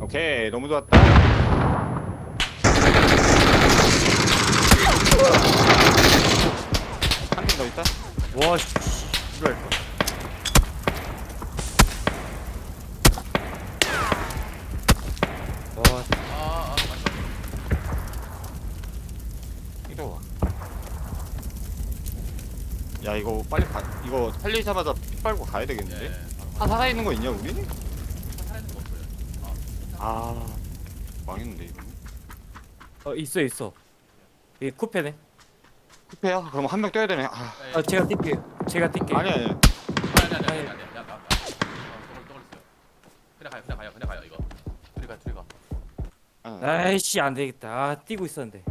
오케이 너무 좋았다. 한 팀 더 있다. 와 씨. 그래. 와 맞다. 이리 와. 야 이거 빨리 가. 이거 살리자마자 피 빨고 가야 되겠는데? 예. 다 살아있는 거 있냐 우리? 살아있는 거 없어요. 아 망했는데 이거. 있어 있어. 이 쿠페네. 쿠페야? 그럼 한 명 떼야 되네. 아 제가 뛸게요. 제가 뛸게요. 아니 아니. 아니. 야, 그냥 가요. 이거. 둘이 가. 아니. 아이씨 안 되겠다. 뛰고 있었는데.